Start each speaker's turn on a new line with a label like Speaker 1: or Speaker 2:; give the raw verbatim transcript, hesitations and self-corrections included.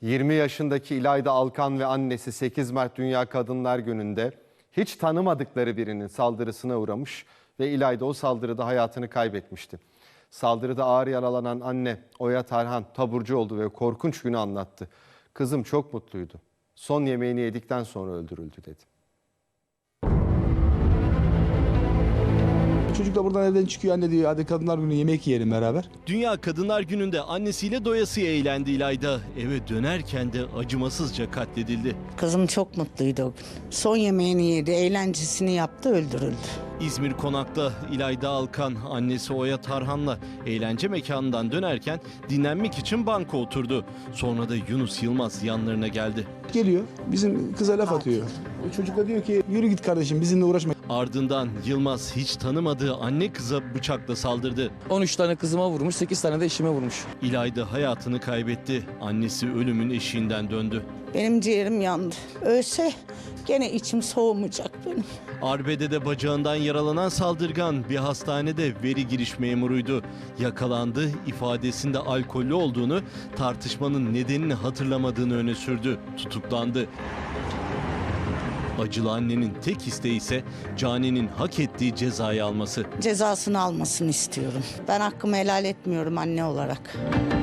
Speaker 1: yirmi yaşındaki İlayda Alkan ve annesi sekiz Mart Dünya Kadınlar Günü'nde hiç tanımadıkları birinin saldırısına uğramış ve İlayda o saldırıda hayatını kaybetmişti. Saldırıda ağır yaralanan anne Oya Tarhan taburcu oldu ve korkunç günü anlattı. Kızım çok mutluydu. Son yemeğini yedikten sonra öldürüldü dedi.
Speaker 2: Çocuk da buradan evden çıkıyor, anne diyor hadi Kadınlar Günü yemek yiyelim beraber.
Speaker 3: Dünya Kadınlar Günü'nde annesiyle doyasıya eğlendi İlayda. Eve dönerken de acımasızca katledildi.
Speaker 4: Kızım çok mutluydu o gün. Son yemeğini yedi, eğlencesini yaptı, öldürüldü.
Speaker 3: İzmir Konak'ta İlayda Alkan annesi Oya Tarhan'la eğlence mekanından dönerken dinlenmek için banka oturdu. Sonra da Yunus Yılmaz yanlarına geldi.
Speaker 2: Geliyor bizim kıza laf atıyor. O çocuk da diyor ki yürü git kardeşim bizimle uğraşma.
Speaker 3: Ardından Yılmaz hiç tanımadığı anne kıza bıçakla saldırdı.
Speaker 5: on üç tane kızıma vurmuş, sekiz tane de eşime vurmuş.
Speaker 3: İlayda hayatını kaybetti. Annesi ölümün eşiğinden döndü.
Speaker 4: Benim ciğerim yandı. Ölse gene içim soğumayacak benim.
Speaker 3: Arbede'de bacağından yaralanan saldırgan bir hastanede veri giriş memuruydu. Yakalandı, ifadesinde alkollü olduğunu, tartışmanın nedenini hatırlamadığını öne sürdü. Tutuklandı. Acılı annenin tek isteği ise Cane'nin hak ettiği cezayı alması.
Speaker 4: Cezasını almasını istiyorum. Ben hakkımı helal etmiyorum anne olarak.